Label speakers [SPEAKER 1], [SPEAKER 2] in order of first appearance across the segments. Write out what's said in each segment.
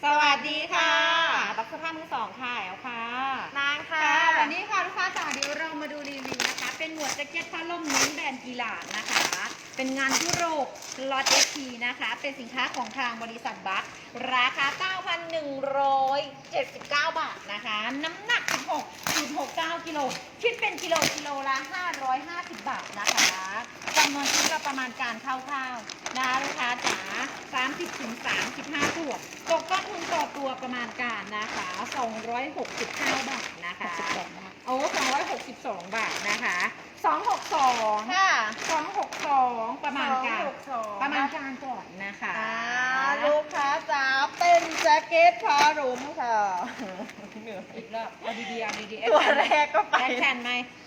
[SPEAKER 1] สวัสดีค่ะบักสภาพมือสองค่ะแอลค่ะ
[SPEAKER 2] นางค่ะ
[SPEAKER 1] วันนี้ค่ะลูกค้าจ๋าเดี๋ยวเรามาดูรีวิวนะคะเป็นหมวดแจ็คเก็ตผ้าล่มเน้นแบรนด์กีฬานะคะเป็นงานยุโรปลอตเอทีนะคะเป็นสินค้าของทางบริษัทบัคราคา 9,179 บาทนะคะน้ำหนัก 16.69 กิโลคิดเป็นกิโลละ550 บาทนะคะจำนวนชิ้นก็ประมาณการคร่าวๆนะคะลูกค้าจ๋า30-35 ตัวตกต้นทุนต่อตัวประมาณการนะคะ269 บาทนะคะโอ้262 บาทนะคะ262
[SPEAKER 2] ค่ะ
[SPEAKER 1] 262ประมาณการก่อนนะคะ
[SPEAKER 2] ลูกค้าจ๋าเป็นแจ็คเก็ตผ้ารุ่มค่ะ
[SPEAKER 1] อีกรอบเอาดีๆ
[SPEAKER 2] ตัวแรกก็ไป
[SPEAKER 1] แอคชั่นไหม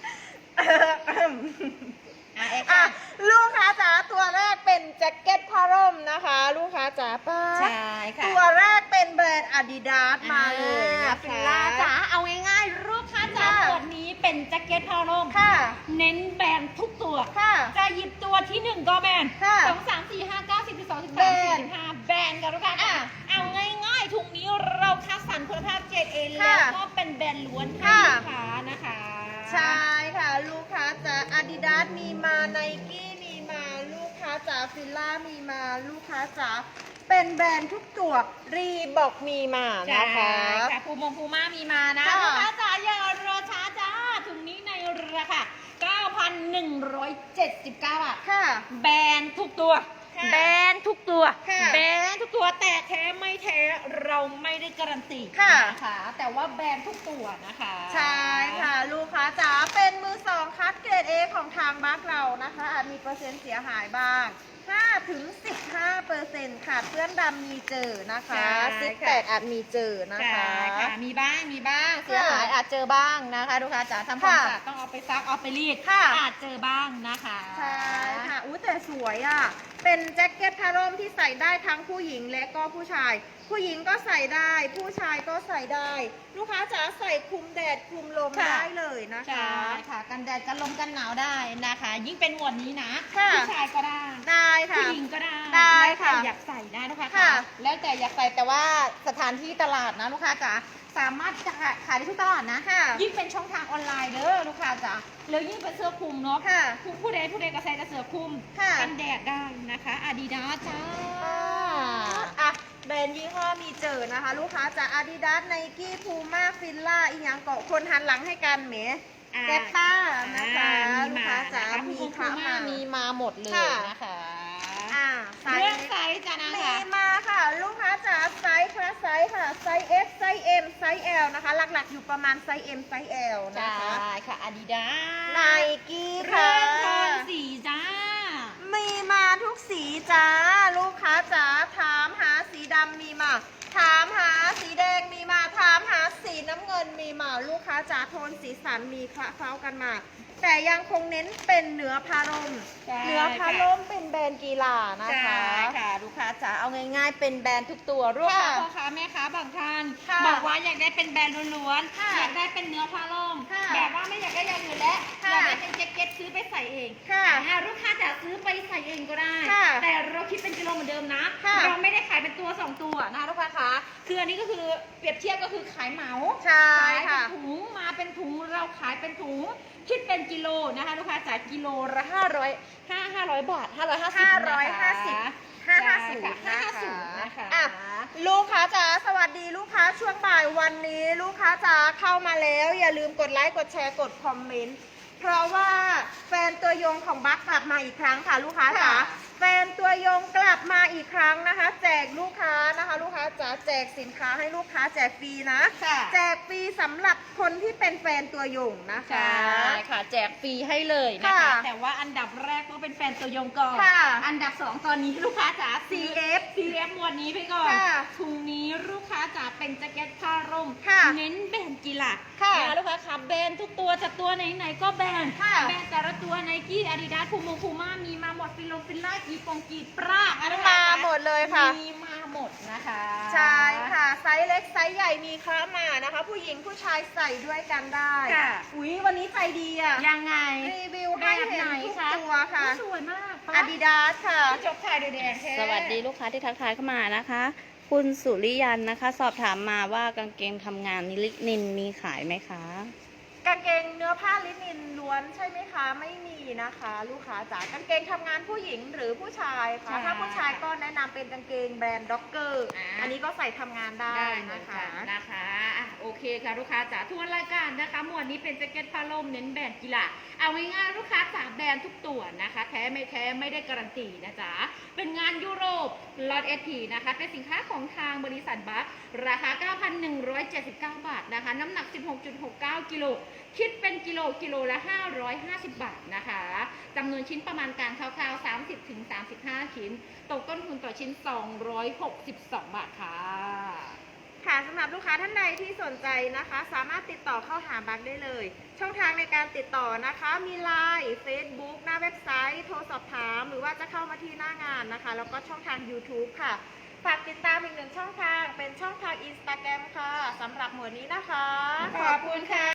[SPEAKER 2] ลูกค้าจ๋าตัวแรกเป็นแจ็คเก็ตผ้าร่มนะคะลูกค้าจ๋าป้า
[SPEAKER 1] ใช่ค่ะ
[SPEAKER 2] ตัวแรกเป็นแบรนด์ Adidas มาเลยนะคะ
[SPEAKER 1] ฟิลล่าจ๋าเอาง่ายๆลูกค้าจ๋าตัวนี้เป็นแจ็คเก็ตผ้าร่ม
[SPEAKER 2] ค่ะ
[SPEAKER 1] เน้นแบรนด์ทุกตัว
[SPEAKER 2] ค่ะ
[SPEAKER 1] จะหยิบตัวที่1ก็แบรนด์2 3 4 5 9 10 12 13 15แบรนด์กันลูกค้าเอาง่ายๆถุงนี้เราคัดสรรคุณภาพเกรด A แล้วก็เป็นแบรนด์ล้วนให้ลูกค้านะคะ
[SPEAKER 2] ใช่ค่ะลูกค้าจ๋า Adidas มีมาไนกี้มีมาลูกค้าจ๋าฟิลล่ามีมาลูกค้าจ๋าเป็นแบรนด์ทุกตัวรีบอกมีมานะคะ
[SPEAKER 1] ค่ะภูม่ามีมานะลูกค้าจ๋าอย่ารอช้าจ้าถุงนี้ในราคา 9,179 บาท
[SPEAKER 2] ค่ะ
[SPEAKER 1] แบรนด์ทุกตัวแบรนด์ทุกตัวแบรนด์ทุกตัวแต่แท้ไม่แท้เราไม่ได้การันตีนะคะแต่ว่าแบรนด์ทุกตัวนะคะ
[SPEAKER 2] ใช่ค่ะลูกค้าจ๋าเป็นมือสองคัดเกรด A ของทางบัคเรานะคะอาจมีเปอร์เซ็นต์เสียหายบ้าง5-15%ค่ะเพื่อนดำมีเจอนะคะ18อาจมีเจอนะคะ
[SPEAKER 1] มีบ้างเสียหายอาจเจอบ้างนะคะลูกค้าจ๋าทำความสะอาดต้องเอาไปซักเอาไปรีดอาจเจอบ้างนะคะ
[SPEAKER 2] ใช่ค่ะแต่สวยอ่ะเป็นแจ็คเก็ตผ้าร่มที่ใส่ได้ทั้งผู้หญิงและก็ผู้ชายผู้หญิงก็ใส่ได้ผู้ชายก็ใส่ได้ลูกค้าจ๋าใส่คลุมแดดคลุมลมได้เลยนะคะ
[SPEAKER 1] ใช่ค่ะกันแดดกันลมกันหนาวได้นะคะยิ่งเป็นหมวดนี้นะผู้ชายก็ได้
[SPEAKER 2] ค่ะ
[SPEAKER 1] ผู้หญิงก็
[SPEAKER 2] ได้ค่ะ
[SPEAKER 1] อยากใส่ได้ลูกค้าค่ะแล้วแต่อยากใส่แต่ว่าสถานที่ตลาดนะลูกค้าจ๋าสามารถจะขายได้ทุกตลาดนะยิ่งเป็นช่องทางออนไลน์เด้อลูกค้าจ๋าแล้วยิ่งเป็นเสื้อคลุมเนาะผู้ใดก็ใส่แต่เสื้อคลุมกันแดดได้นะคะอาดิดาสจ้า
[SPEAKER 2] แบรนด์ยี่ห้อมีเจอนะคะลูกค้าจาก Adidas Nike Puma Fila อีกอย่างเกาะคนหันหลังให้กันเหมแกตต้านะคะลูกค้าจ๋ามีมาหมดเลยนะคะ
[SPEAKER 1] เรื่องไซส์จ้ะนะ
[SPEAKER 2] มีมาค่ะลูกค้าจ๋าไซส์ค่ะไซส์ค่ะไซส์ S ไซส์ M ไซส์ L นะคะหลักๆอยู่ประมาณไซส์ M ไซส์ L นะคะ
[SPEAKER 1] ใช่ค่ะ Adidas
[SPEAKER 2] Nike
[SPEAKER 1] ค่ะเรื่องโทนสีจ้า
[SPEAKER 2] มีมาทุกสีจ้าลูกค้าจ๋าถามหาสีดำมีมาถามหาสีแดงมีมาถามหาสีน้ำเงินมีมาลูกค้าจ๋าโทนสีสันมีคละเคล้ากันมาแต่ยังคงเน้นเป็นเนื้อผ้าร่มเป็นแบรนด์กีฬานะคะ
[SPEAKER 1] ค่ะลูกค้าจ๋าเอาง่ายๆเป็นแบรนด์ทุกตัวลูกค้าพ่อค้าแม่ค้าบางท่านบอกว่าอยากได้เป็นแบรนด์ล้วนๆอยากได้เป็นเนื้อผ้าร่มแบบว่าไม่อยากได้อย่างอื่นแล้วอยากได้เป็นแจ็คเก็ตซื้อไปใส่เองลูกค้าจ๋าซื้อไปใส่เองก็ได้แต่เราคิดเป็นกิโลเหมือนเดิมนะเราไม่ได้ขายเป็นตัว2ตัวนะลูกค้าคะคืออันนี้ก็คือเปรียบเทียบก็คือขายเหมาขายเป็นถุงมาเป็นถุงเราขายเป็นถุงคิดเป็นกิโลนะคะลูกค้าจ่ายกิโลละ500 บาท550
[SPEAKER 2] นะคะลูกค้าจ๋าสวัสดีลูกค้าช่วงบ่ายวันนี้ลูกค้าจ๋าเข้ามาแล้วอย่าลืมกดไลค์กดแชร์กดคอมเมนต์เพราะว่าแฟนตัวยงของบัคกลับมาอีกครั้งค่ะลูกค้าจ๋าแฟนตัวยงกลับมาอีกครั้งนะคะแจกลูกค้านะคะลูกค้าจ๋าแจกสินค้าให้ลูกค้าแจกฟรีนะแจกฟรีสำหรับคนที่เป็นแฟนตัวยงนะคะ
[SPEAKER 1] ใช่ค่ะแจกฟรีให้เลยนะคะแต่ว่าอันดับแรกต้องเป็นแฟนตัวยงก่อนอันดับ2ตอนนี้ลูกค้าจ๋า CF หมวดนี้ไปก่อนถุงนี้ลูกค้าจ๋าเป็นแจ็คเก็ตผ้าร่มเน้นแบรนด์กีฬาลูกค้าค่ะแบรนด์ทุกตัวจะตัวไหนๆก็แบรนด์แต่ละตัว Nike Adidas Puma มีมาหมดฟิลล่ากีปราก
[SPEAKER 2] มาหมดเลยค่ะ
[SPEAKER 1] มีมาหมดนะคะ
[SPEAKER 2] ใช่ค่ะไซส์เล็กไซส์ใหญ่มีค้ามานะคะผู้หญิงผู้ชายใส่ด้วยกันได้อุ๊ยวันนี้ใจดีอ่ะ
[SPEAKER 1] ยังไง
[SPEAKER 2] รีวิวให้เห็นทุกตัวค่ะ
[SPEAKER 1] สวยมาก
[SPEAKER 2] Adidas ค่ะ
[SPEAKER 1] จบถ่ายแดง
[SPEAKER 3] สวัสดีลูกค้าที่ทักทายเข้ามานะคะคุณสุริยันนะคะ สอบถามมาว่ากางเกงทำงานลินินมีขายไหมคะ
[SPEAKER 2] กางเกงเนื้อผ้าลินินล้วนใช่ไหมคะไม่มีนะคะ ลูกค้าจ๋ากางเกงทำงานผู้หญิงหรือผู้ชายคะ
[SPEAKER 1] ใช่
[SPEAKER 2] ถ้าผู้ชายก็แนะนำเป็นกางเกงแบรนด์ด็อกเกอร์
[SPEAKER 1] อ่า
[SPEAKER 2] อันนี้ก็ใส่ทำงานได้
[SPEAKER 1] ได้เหมือ
[SPEAKER 2] นะ
[SPEAKER 1] น
[SPEAKER 2] คะ
[SPEAKER 1] กันนะคะอ่ะโอเคค่ะลูกค้าจ๋าทวนรายการนะคะหมวดนี้เป็นแจ็คเก็ตผ้าล่มเน้นแบรนด์กีฬาเอาง่ายๆลูกค้าจ๋าแบรนด์ทุกตัวนะคะแท้ไม่ได้การันตีนะจ๊ะเป็นงานยุโรปล็อตเอทีนะคะเป็นสินค้าของทางบริษัทบัคราคา 9,179 บาทนะคะน้ำหนัก 16.69 กิโลคิดเป็นกิโลละ 550 บาทนะคะจำนวนชิ้นประมาณการคร่าวๆ 30-35 ชิ้นตกต้นทุนต่อชิ้น 262 บาทค่ะ
[SPEAKER 2] ค่ะสำหรับลูกค้าท่านใดที่สนใจนะคะ สามารถติดต่อเข้าหาบัคได้เลย ช่องทางในการติดต่อนะคะมี LINE Facebook หน้าเว็บไซต์โทรสอบถามหรือว่าจะเข้ามาที่หน้างานนะคะ แล้วก็ช่องทาง YouTube ค่ะ ฝากติดตามอีกหนึ่งช่องทางเป็นช่องทาง Instagram ค่ะสำหรับหมวดนี้นะคะ
[SPEAKER 1] ขอบคุณค่ะ